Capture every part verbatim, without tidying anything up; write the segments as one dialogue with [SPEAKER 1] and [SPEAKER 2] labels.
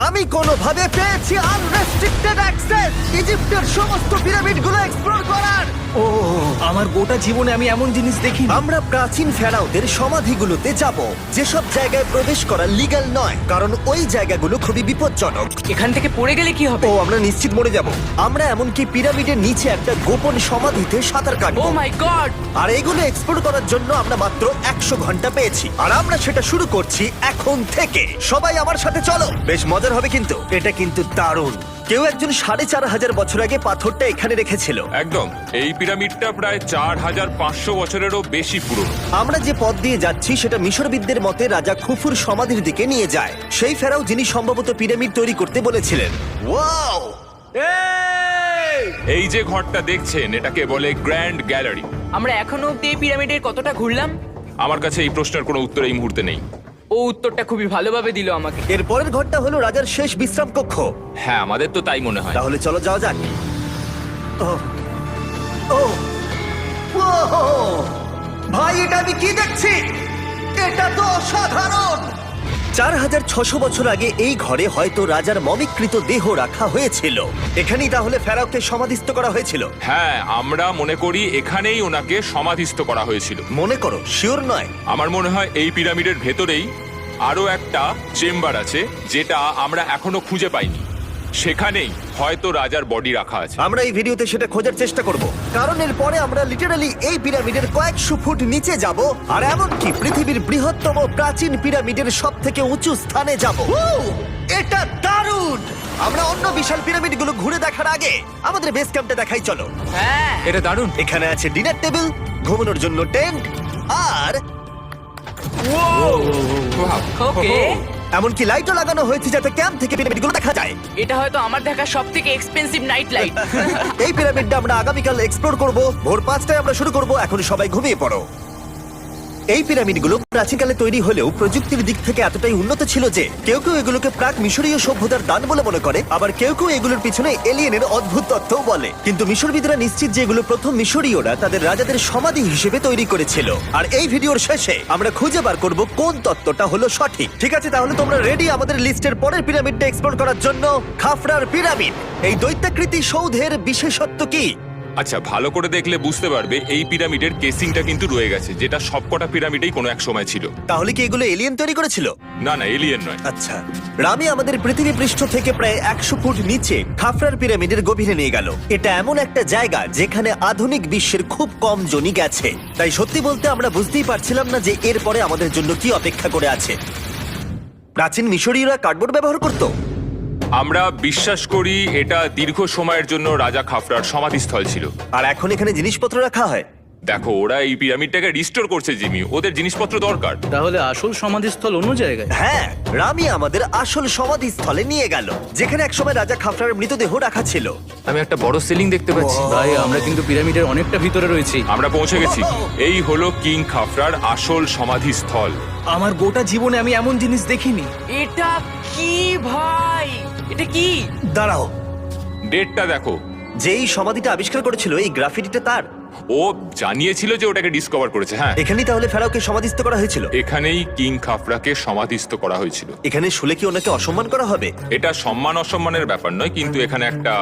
[SPEAKER 1] আমি কোনোভাবে পেয়েছি আনরেস্ট্রিক্টেড অ্যাক্সেস ইজিপ্টের সমস্ত পিরামিডগুলো এক্সপ্লোর করার।
[SPEAKER 2] ও আমার গোটা জীবনে আমি এমন জিনিস দেখিনি।
[SPEAKER 1] আমরা প্রাচীন ফেরাওদের সমাধিগুলোতে যাব, যেসব জায়গায় প্রবেশ করা লিগ্যাল নয়, কারণ ওই জায়গাগুলো খুবই বিপজ্জনক।
[SPEAKER 3] এখান থেকে পড়ে গেলে কি হবে?
[SPEAKER 1] ও আমরা নিশ্চিত মরে যাব। আমরা এমনকি পিরামিডের নিচে একটা গোপন সমাধিতে সাঁতার
[SPEAKER 3] ও
[SPEAKER 1] কাটবো।
[SPEAKER 3] মাই গড!
[SPEAKER 1] আর এগুলো এক্সপ্লোর করার জন্য আমরা মাত্র একশো ঘন্টা পেয়েছি, আর আমরা সেটা শুরু করছি এখন থেকে। সবাই আমার সাথে চলো, বেশ মজার হবে কিন্তু। এটা কিন্তু দারুণ। কেউ একজন সাড়ে চার হাজার বছর আগে পাথরটা এখানে রেখেছিল।
[SPEAKER 4] একদম, এই পিরামিডটা প্রায় চার হাজার পাঁচশো বছরেরও বেশি পুরনো।
[SPEAKER 1] আমরা যে পথ দিয়ে যাচ্ছি সেটা মিশরবিদদের মতে রাজা খুফুর সমাধির দিকে নিয়ে যায়, সেই ফেরাও যিনি সম্ভবত পিরামিড তৈরি করতে বলেছিলেন। ওয়াও!
[SPEAKER 4] এই যে ঘরটা দেখছেন, এটাকে বলে গ্র্যান্ড গ্যালারি।
[SPEAKER 3] আমরা এখনো অব্দি এই পিরামিডের কতটা ঘুরলাম?
[SPEAKER 4] আমার কাছে এই প্রশ্নের কোনো উত্তর এই মুহূর্তে নেই।
[SPEAKER 3] ও উত্তরটা খুবই ভালোভাবে দিল আমাকে।
[SPEAKER 1] এর পরের ঘরটা হলো রাজার শেষ বিশ্রাম কক্ষ।
[SPEAKER 4] হ্যাঁ, আমাদের তো তাই মনে হয়।
[SPEAKER 1] তাহলে চলো যাওয়া যাক। ও ও ওহো! ভাই, এটা আমি কি দেখছি? এটা তো অসাধারণ। চার হাজার ছশো বছর আগে এই ঘরে হয়তো রাজার মমিকৃত দেহ রাখা হয়েছিল। এখানেই তাহলে ফেরাওকে সমাধিস্থ করা হয়েছিল।
[SPEAKER 4] হ্যাঁ, আমরা মনে করি এখানেই ওনাকে সমাধিস্থ করা হয়েছিল।
[SPEAKER 1] মনে করো, শিওর নয়।
[SPEAKER 4] আমার মনে হয় এই পিরামিডের ভেতরেই আরো একটা চেম্বার আছে, যেটা আমরা এখনো খুঁজে পাইনি। সেখানেই হয়তো রাজার বডি রাখা আছে।
[SPEAKER 1] আমরা এই ভিডিওতে সেটা খোঁজার চেষ্টা করব, কারণ এর পরে আমরা লিটারালি এই পিরামিডের কয়েকশো ফুট নিচে যাব, আর এমনকি পৃথিবীর বৃহত্তম প্রাচীন পিরামিডের সব থেকে উঁচু স্থানে যাব। এটা দারুণ! আমরা অন্য বিশাল পিরামিডগুলো ঘুরে দেখার আগে আমাদের বেস ক্যাম্পটা দেখাই চলো।
[SPEAKER 3] হ্যাঁ,
[SPEAKER 4] এটা দারুণ।
[SPEAKER 1] এখানে আছে ডিনার টেবিল, ঘুমানোর জন্য টেন্ট, আর
[SPEAKER 3] ওকে।
[SPEAKER 1] এমনকি লাইটও লাগানো হয়েছে যাতে ক্যাম্প থেকে পিরামিডগুলো দেখা যায়।
[SPEAKER 3] এটা হয়তো আমার দেখা সবথেকে এক্সপেন্সিভ নাইট লাইট।
[SPEAKER 1] এই পিরামিডটা আমরা আগামীকাল এক্সপ্লোর করব। ভোর পাঁচটায় আমরা শুরু করব। এখন সবাই ঘুমিয়ে পড়ো। এই পিরামিডগুলো প্রাচীনকালে তৈরি হলেও প্রযুক্তির দিক থেকে এতটাই উন্নত ছিল যে কেউ কেউ এগুলোকে প্রাক মিশরীয় সভ্যতার দান বলে মনে করে, আবার কেউ কেউ এগুলোর পিছনে এলিয়েনের অদ্ভুত তথ্যও বলে। কিন্তু মিশরবিদরা নিশ্চিত যে এগুলো প্রথম মিশরীয়রা তাদের রাজাদের সমাধি হিসেবে তৈরি করেছিল। আর এই ভিডিওর শেষে আমরা খুঁজে বার করব কোন তত্ত্বটা হলো সঠিক। ঠিক আছে, তাহলে তোমরা রেডি আমাদের লিস্টের পরের পিরামিডটা এক্সপ্লোর করার জন্য? খাফরার পিরামিড। এই দৈত্যাকৃতি সৌধের বিশেষত্ব কি?
[SPEAKER 4] আচ্ছা, ভালো করে দেখলে বুঝতে পারবে এই পিরামিডের কেসিংটা কিন্তু রয়ে গেছে, যেটা সবকটা পিরামিডেই কোনো এক সময় ছিল।
[SPEAKER 1] তাহলে কি এগুলো এলিয়েন তৈরি করেছিল?
[SPEAKER 4] না না, এলিয়েন নয়।
[SPEAKER 1] আচ্ছা, রামি আমাদের পৃথিবী পৃষ্ঠ থেকে প্রায় একশো ফুট নিচে খাফরার পিরামিডের গভীরে নিয়ে গেল। এটা এমন একটা জায়গা যেখানে আধুনিক বিশ্বের খুব কম জনই গেছে। তাই সত্যি বলতে আমরা বুঝতেই পারছিলাম না যে এরপরে আমাদের জন্য কি অপেক্ষা করে আছে। প্রাচীন মিশরীয়রা কার্ডবোর্ড ব্যবহার করত।
[SPEAKER 4] আমরা বিশ্বাস করি এটা দীর্ঘ সময়ের জন্য রাজা খাফরার সমাধিস্থল ছিল।
[SPEAKER 1] আর এখন এখানে জিনিসপত্র রাখা হয়।
[SPEAKER 4] দেখো, ওরা এই পিরামিডটাকে রিস্টোর করছে জিমি, ওদের জিনিসপত্র দরকার।
[SPEAKER 2] তাহলে আসল সমাধিস্থল অন্য জায়গায়?
[SPEAKER 1] হ্যাঁ, রামি আমাদের আসল সমাধিস্থলে নিয়ে গেল, যেখানে একসময় রাজা খাফরার মৃতদেহ রাখা ছিল।
[SPEAKER 5] আমি একটা বড় সিলিং দেখতে পাচ্ছি।
[SPEAKER 2] ভাই, আমরা কিন্তু পিরামিডের অনেকটা ভিতরে রয়েছি।
[SPEAKER 4] আমরা পৌঁছে গেছি। এই হলো কিং খাফরার আসল সমাধিস্থল।
[SPEAKER 2] আমার গোটা জীবনে আমি এমন জিনিস দেখিনি।
[SPEAKER 3] এটা কি ভাই? এটা কি?
[SPEAKER 1] দাঁড়াও,
[SPEAKER 4] ডেটটা দেখো।
[SPEAKER 1] যেই সমাধিটা আবিষ্কার করেছিল এই গ্রাফিটিটা তার।
[SPEAKER 4] ও জানিয়েছিল যে ওটাকে ডিসকভার করেছে। হ্যাঁ,
[SPEAKER 1] এখানেই তাহলে ফেরাওকে সমাধিস্থ করা হয়েছিল।
[SPEAKER 4] এখানেই কিং খাফরাকে সমাধিস্থ করা হয়েছিল।
[SPEAKER 1] এখানে শুলে কি ওনাকে অসম্মান করা হবে?
[SPEAKER 4] এটা সম্মান অসম্মানের ব্যাপার নয়, কিন্তু এখানে একটা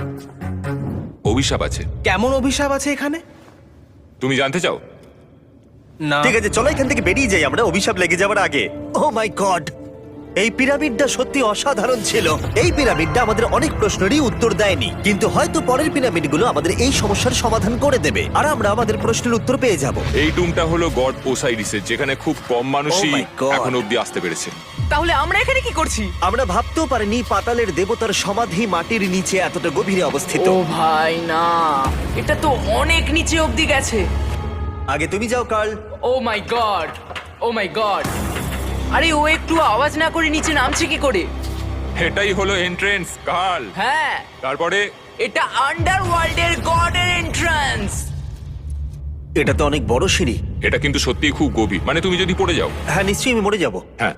[SPEAKER 4] অভিশাপ আছে।
[SPEAKER 2] কেমন অভিশাপ আছে এখানে?
[SPEAKER 4] তুমি জানতে চাও?
[SPEAKER 2] না।
[SPEAKER 1] ঠিক আছে, চলো এখান থেকে বেরিয়ে যাই আমরা অভিশাপ লেগে যাওয়ার আগে। ও মাই গড, এই পিরামিডটা সত্যি অসাধারণ ছিল। এই পিরামিডটা আমাদের অনেক প্রশ্নেরই উত্তর দেয়নি, কিন্তু হয়তো পরের পিরামিডগুলো আমাদের এই সমস্যার সমাধান করে দেবে, আর আমরা আমাদের প্রশ্নের উত্তর পেয়ে যাব।
[SPEAKER 4] এই টুমটা হলো গড ওসাইরিসের, যেখানে খুব কম মানুষই
[SPEAKER 1] Oh my God!
[SPEAKER 4] এখন অব্দি আসতে পেরেছে।
[SPEAKER 3] তাহলে আমরা এখানে কি করছি?
[SPEAKER 1] আমরা ভাবতেও পারিনি পাতালের দেবতার সমাধি মাটির নিচে এতটা গভীরে অবস্থিত।
[SPEAKER 3] ও ভাই না, এটা তো অনেক নিচে অব্দি গেছে।
[SPEAKER 1] আগে তুমি যাও Carl.
[SPEAKER 3] Oh my God, oh my God. আরে ও একটু আওয়াজ না করে নিচে নামছে কি করে?
[SPEAKER 4] এটাই হলো এন্ট্রেন্স, কাল।
[SPEAKER 3] হ্যাঁ,
[SPEAKER 4] তারপরে
[SPEAKER 3] এটা আন্ডারওয়ার্ল্ডের গডের এন্ট্রান্স।
[SPEAKER 1] এটা তো অনেক বড় সিঁড়ি।
[SPEAKER 4] এটা কিন্তু সত্যিই খুব গভীর, মানে তুমি যদি পড়ে যাও।
[SPEAKER 1] হ্যাঁ, নিশ্চয়ই আমি মরে যাব।
[SPEAKER 4] হ্যাঁ,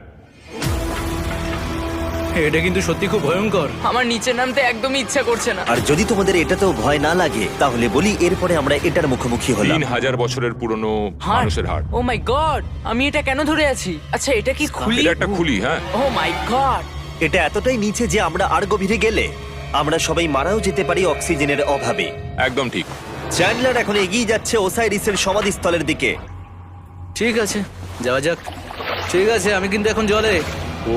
[SPEAKER 2] এটা কিন্তু সত্যি খুব ভয়ঙ্কর।
[SPEAKER 3] আমার নিচে নামতে একদমই ইচ্ছা করছে না।
[SPEAKER 1] আর যদি তোমাদের এটাতেও ভয় না লাগে তাহলে বলি এরপরে আমরা এটার মুখোমুখি হলাম।
[SPEAKER 4] তিন হাজার বছরের পুরনো মানুষের হাড়।
[SPEAKER 3] ও মাই গড, আমি এটা কেন ধরে আছি? আচ্ছা, এটা কি খুলি?
[SPEAKER 4] এটা একটা খুলি। হ্যাঁ,
[SPEAKER 3] ও মাই গড,
[SPEAKER 1] এটা এতটাই নিচে যে আমরা আর গভীরে গেলে আমরা সবাই মারাও যেতে পারি অক্সিজেনের অভাবে।
[SPEAKER 4] একদম ঠিক।
[SPEAKER 1] চ্যান্ডলার এখন এগিয়ে যাচ্ছে ওসাইরিসের সমাধিস্থলের দিকে।
[SPEAKER 2] ঠিক আছে, যাওয়া যাক। ঠিক আছে, আমি কিন্তু এখন জলে। ও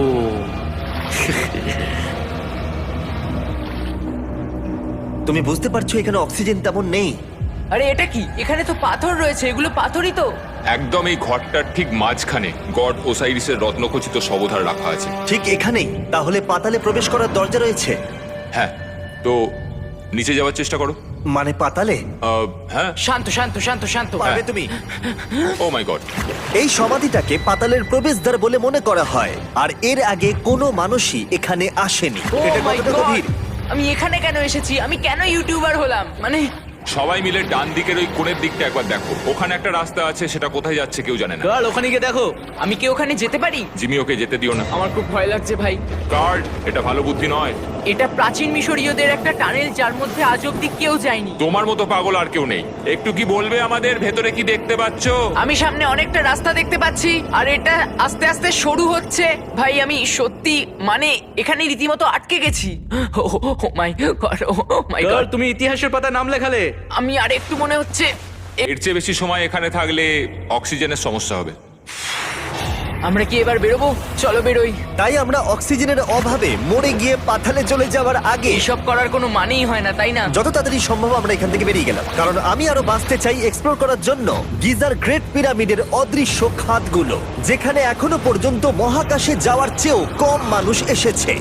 [SPEAKER 1] তুমি বুঝতে পারছো এখানে অক্সিজেন তেমন নেই।
[SPEAKER 3] আরে এটা কি? এখানে তো পাথর রয়েছে, এগুলো পাথরই তো।
[SPEAKER 4] একদম এই ঘরটার ঠিক মাঝখানে গড ওসাইরিসের রত্নখচিত শবধার রাখা আছে।
[SPEAKER 1] ঠিক এখানেই তাহলে পাতালে প্রবেশ করার দরজা রয়েছে?
[SPEAKER 4] হ্যাঁ, তো নিচে যাওয়ার চেষ্টা করো।
[SPEAKER 1] মানে পাতালে?
[SPEAKER 4] আহ, হ্যাঁ।
[SPEAKER 3] শান্ত শান্ত শান্ত শান্ত।
[SPEAKER 1] পারবে তুমি?
[SPEAKER 4] Oh my God.
[SPEAKER 1] এই সমাধিটাকে পাতালের প্রবেশদ্বার বলে মনে করা হয়, আর এর আগে কোনো মানুষই এখানে আসেনি।
[SPEAKER 3] Oh
[SPEAKER 1] এটা
[SPEAKER 3] my
[SPEAKER 1] কতটা
[SPEAKER 3] God!
[SPEAKER 1] গভীর?
[SPEAKER 3] আমি এখানে কেন এসেছি? আমি কেন ইউটিউবার হলাম? মানে
[SPEAKER 4] সবাই মিলে ডান দিকের ওই কোণের দিকটা একবার দেখো। ওখানে একটা রাস্তা আছে, সেটা কোথায় যাচ্ছে কেউ জানে না।
[SPEAKER 2] গার্ল, ওখানে গিয়ে দেখো।
[SPEAKER 3] আমি কি ওখানে যেতে পারি?
[SPEAKER 4] জিমি, ওকে যেতে দিও না।
[SPEAKER 3] আমার খুব ভয় লাগছে ভাই।
[SPEAKER 4] গার্ড, এটা ভালো বুদ্ধি নয়।
[SPEAKER 3] এটা প্রাচীন মিশরীয়দের একটা টানেল যার মধ্যে আজ অব্দি কেউ যায়নি।
[SPEAKER 4] তোমার মতো পাগল আর কেউ নেই। একটু কি বলবে আমাদের ভেতরে কি দেখতে পাচ্ছ?
[SPEAKER 3] আমি সামনে অনেকটা রাস্তা দেখতে পাচ্ছি, আর এটা আস্তে আস্তে সরু হচ্ছে। ভাই আমি সত্যি মানে এখানে রীতিমতো আটকে গেছি। Oh my God, oh my
[SPEAKER 2] girl,
[SPEAKER 3] God.
[SPEAKER 2] তুমি ইতিহাসের পাতা নাম লেখালে।
[SPEAKER 3] আমি আর একটু মনে হচ্ছে এ-
[SPEAKER 4] এর চেয়ে বেশি সময় এখানে থাকলে অক্সিজেনের সমস্যা হবে।
[SPEAKER 3] আমরা কি এবার বেরোবো? চলো বেরোই।
[SPEAKER 1] তাই আমরা অক্সিজেনের অভাবে মরে গিয়ে পাতালে চলে যাওয়ার আগে
[SPEAKER 3] এসব করার কোনো মানেই হয় না, তাই না?
[SPEAKER 1] যত তাড়াতাড়ি সম্ভব আমরা এখান থেকে বেরিয়ে গেলাম, কারণ আমি আরো বাঁচতে চাই এক্সপ্লোর করার জন্য গিজার গ্রেট পিরামিডের অদৃশ্য খাতগুলো, যেখানে এখনো পর্যন্ত মহাকাশে যাওয়ার চেয়েও কম মানুষ এসেছে।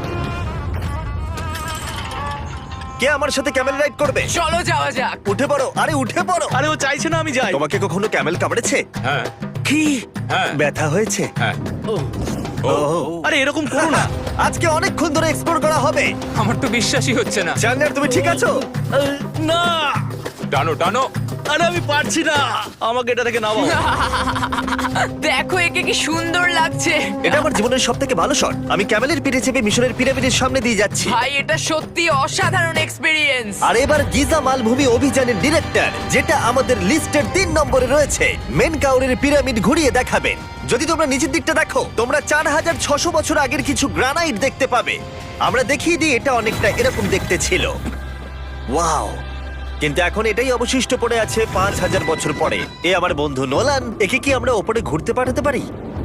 [SPEAKER 1] কে আমার সাথে ক্যামেল রাইড করবে?
[SPEAKER 3] চলো যাওয়া যাক।
[SPEAKER 1] উঠে পড়ো, আরে উঠে পড়ো।
[SPEAKER 2] আরে ও চাইছে না আমি যাই।
[SPEAKER 1] তোমাকে কখনো ক্যামেল কামড়েছে?
[SPEAKER 4] হ্যাঁ,
[SPEAKER 1] কি
[SPEAKER 4] হ্যাঁ,
[SPEAKER 1] ব্যথা হয়েছে?
[SPEAKER 4] হ্যাঁ।
[SPEAKER 2] ও,
[SPEAKER 4] ও,
[SPEAKER 2] আরে এরকম করো না।
[SPEAKER 1] আজকে অনেকক্ষণ ধরে এক্সপ্লোর করা হবে।
[SPEAKER 4] আমার তো বিশ্বাসই হচ্ছে না।
[SPEAKER 1] জানলার তুমি ঠিক আছো?
[SPEAKER 2] আহ, না,
[SPEAKER 4] টানো টানো।
[SPEAKER 2] আরে আমি পারছি না, আমাকে এটা থেকে নামাও।
[SPEAKER 3] দেখো একে কি সুন্দর লাগছে।
[SPEAKER 1] এটা আমার জীবনের সব থেকে ভালো শট। আমি ক্যামেলের পিঠে চেপে মিশরের পিরামিডের সামনে দিয়ে যাচ্ছি।
[SPEAKER 3] ভাই এটা সত্যি অসাধারণ এক্সপিরিয়েন্স।
[SPEAKER 1] আর এবার গিজা মালভূমি অভিযানের ডিরেক্টর, যেটা আমাদের লিস্টের তিন নম্বরে রয়েছে, মেন কাউরের পিরামিড ঘুরিয়ে দেখাবেন। যদি তোমরা নিচের দিকটা দেখো, তোমরা চার হাজার ছশো বছর আগের কিছু গ্রানাইট দেখতে পাবে। আমরা দেখিয়ে দিই, এটা অনেকটা এরকম দেখতে ছিল। ওয়াও! কিন্তু এখন এটাই অবশিষ্ট পড়ে আছে পাঁচ হাজার বছর পরে। এ আমার বন্ধু নোলান, একে কি আমরা ওপরে ঘুরতে পাঠাতে পারি?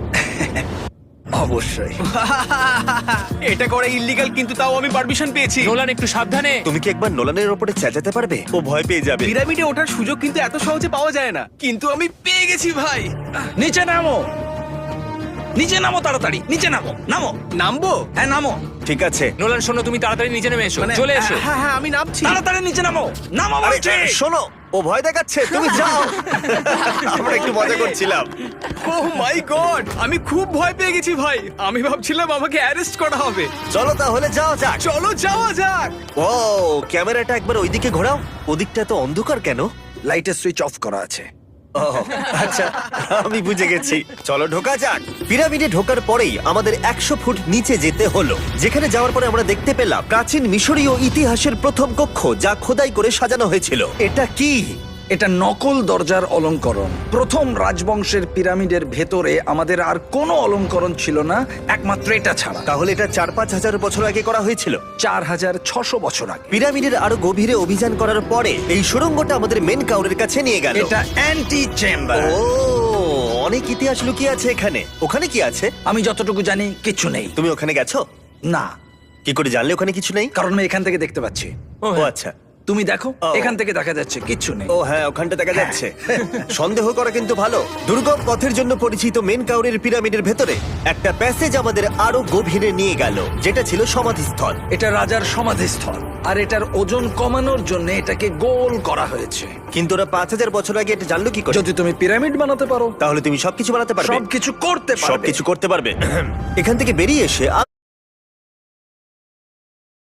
[SPEAKER 1] অবশ্যই।
[SPEAKER 2] এটা করা ইল্লিগাল, কিন্তু তাও আমি পারমিশন পেয়েছি।
[SPEAKER 4] নোলান, একটু সাবধানে।
[SPEAKER 1] তুমি কি একবার নোলানের ওপরে চেঁচাতে পারবে? ও ভয় পেয়ে যাবে।
[SPEAKER 2] পিরামিডে ওঠার সুযোগ কিন্তু এত সহজে পাওয়া যায় না, কিন্তু আমি পেয়ে গেছি ভাই। নিচে নামো, নিচে নামো, তাড়াতাড়ি নিচে নামো। নামো। নামবো? হ্যাঁ নামো।
[SPEAKER 1] ঠিক আছে।
[SPEAKER 4] নোলান, শোনো, তুমি তাড়াতাড়ি নিচে নেমে এসো।
[SPEAKER 2] মানে,
[SPEAKER 4] চলে এসো।
[SPEAKER 2] হ্যাঁ হ্যাঁ আমি নামছি। তাড়াতাড়ি নিচে নামো। নামো
[SPEAKER 1] আরে,
[SPEAKER 2] বলছি।
[SPEAKER 1] শোনো, ও ভয় দেখাচ্ছে, তুমি যাও। আমরা একটু মজা করছিলাম।
[SPEAKER 2] ও মাই গড, আমি খুব ভয় পেয়ে গেছি ভাই। আমি ভাবছিলাম আমাকে অ্যারেস্ট করা হবে।
[SPEAKER 1] চলো তাহলে যাও যাক।
[SPEAKER 2] চলো যাওয়া যাক।
[SPEAKER 1] ও, ক্যামেরাটা একবার ওইদিকে ঘোরাও। ওদিকটা তো অন্ধকার কেন?
[SPEAKER 6] লাইটের সুইচ অফ করা আছে।
[SPEAKER 1] ও, আচ্ছা, আমি বুঝে গেছি। চলো ঢোকা যাক। পিরামিডে ঢোকার পরেই আমাদের একশো ফুট নিচে যেতে হলো, যেখানে যাওয়ার পরে আমরা দেখতে পেলাম প্রাচীন মিশরীয় ইতিহাসের প্রথম কক্ষ, যা খোদাই করে সাজানো হয়েছিল। এটা কি?
[SPEAKER 6] এটা নকল দরজার অলঙ্করণ। প্রথম রাজবংশের পিরামিডের ভেতরে আমাদের আর কোনো অলঙ্করণ ছিল না, একমাত্র এটা ছাড়া।
[SPEAKER 1] তাহলে এটা চার পাঁচ হাজার বছর আগে করা হয়েছিল।
[SPEAKER 6] চার হাজার ছশো বছর আগে।
[SPEAKER 1] পিরামিডের আরো গভীরে অভিযান করার পরে এই সুড়ঙ্গটা আমাদের মেন কাউরের কাছে নিয়ে গেল।
[SPEAKER 6] এটা অ্যান্টি চেম্বার।
[SPEAKER 1] ও, অনেক ইতিহাস লুকিয়ে আছে এখানে। ওখানে কি আছে?
[SPEAKER 6] আমি যতটুকু জানি কিছু নেই।
[SPEAKER 1] তুমি ওখানে গেছো?
[SPEAKER 6] না,
[SPEAKER 1] কি করে জানলে ওখানে কিছু নেই?
[SPEAKER 6] কারণ আমি এখান থেকে দেখতে পাচ্ছি।
[SPEAKER 1] ও আচ্ছা।
[SPEAKER 6] তুমি দেখো,
[SPEAKER 1] ও।
[SPEAKER 6] এখান থেকে দেখা যাচ্ছে কিচ্ছু নেই।
[SPEAKER 1] ও হ্যাঁ, ওখানটা দেখা যাচ্ছে। সন্দেহ করা কিন্তু ভালো। দুর্গম পথের জন্য পরিচিত মেন কাউরের পিরামিডের ভেতরে একটা প্যাসেজ আমাদের আরো গভীরে নিয়ে গেল, যেটা ছিল সমাধিস্থল।
[SPEAKER 6] এটা রাজার সমাধিস্থল, আর এটার ওজন কমানোর জন্য এটাকে গোল করা হয়েছে।
[SPEAKER 1] কিন্তু ওরা পাঁচ হাজার বছর আগে এটা জানলো কি করে?
[SPEAKER 6] যদি তুমি পিরামিড বানাতে পারো,
[SPEAKER 1] তাহলে তুমি সবকিছু বানাতে পারবে।
[SPEAKER 6] সবকিছু করতে পারবে।
[SPEAKER 1] সবকিছু করতে পারবে। এখান থেকে বেরিয়ে এসে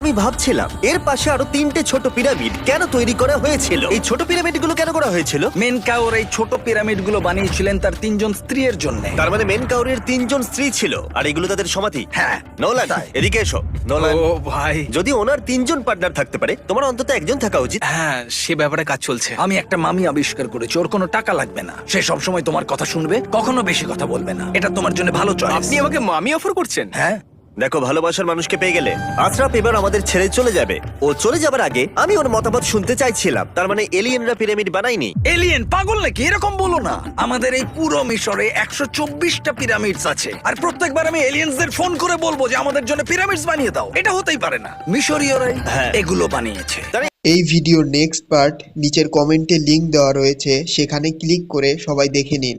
[SPEAKER 1] আমি ভাবছিলাম এর পাশে আরো তিনটে ছোট পিরামিড কেন তৈরি করা হয়েছিল, এই ছোট পিরামিডগুলো কেন করা হয়েছিল?
[SPEAKER 6] মেনকাওর এই ছোট পিরামিডগুলো বানিয়েছিলেন তার তিনজন স্ত্রীর জন্য।
[SPEAKER 1] তার মানে মেন কাউরের তিনজন স্ত্রী ছিল আর এগুলো তাদের সমাধি।
[SPEAKER 6] হ্যাঁ।
[SPEAKER 1] নোলান এদিকে এসো। নোলান,
[SPEAKER 2] ও ভাই,
[SPEAKER 1] যদি ওনার তিনজন পার্টনার থাকতে পারে তোমার অন্তত একজন থাকা উচিত।
[SPEAKER 2] হ্যাঁ সে ব্যাপারে কাজ চলছে।
[SPEAKER 6] আমি একটা মামি আবিষ্কার করেছি, ওর কোনো টাকা লাগবে না, সে সব সময় তোমার কথা শুনবে, কখনো বেশি কথা বলবে না। এটা তোমার জন্য ভালো চয়েস।
[SPEAKER 2] আপনি আমাকে মামি অফার করছেন?
[SPEAKER 6] হ্যাঁ।
[SPEAKER 1] দেখো, ভালোবাসার মানুষকে পেয়ে গেলে আশরাফ এবার আমাদের ছেড়ে চলে যাবে। ও চলে যাবার আগে আমি ওর মতামত শুনতে চাইছিলাম। তার মানে এলিয়েনরা পিরামিড বানায়নি?
[SPEAKER 6] এলিয়েন পাগল নাকি? এরকম বলো না। আমাদের এই পুরো মিশরে একশো চব্বিশটা পিরামিডস আছে, আর প্রত্যেকবার আমি এলিয়েন্সদের ফোন করে বলবো যে আমাদের জন্য পিরামিডস বানিয়ে দাও। এটা হতেই পারে না, মিশরীয়রাই
[SPEAKER 1] হ্যাঁ।
[SPEAKER 6] এগুলো বানিয়েছে।
[SPEAKER 7] এই ভিডিওর নেক্সট পার্ট নিচের কমেন্টে লিংক দেওয়া রয়েছে, সেখানে ক্লিক করে সবাই দেখে নিন।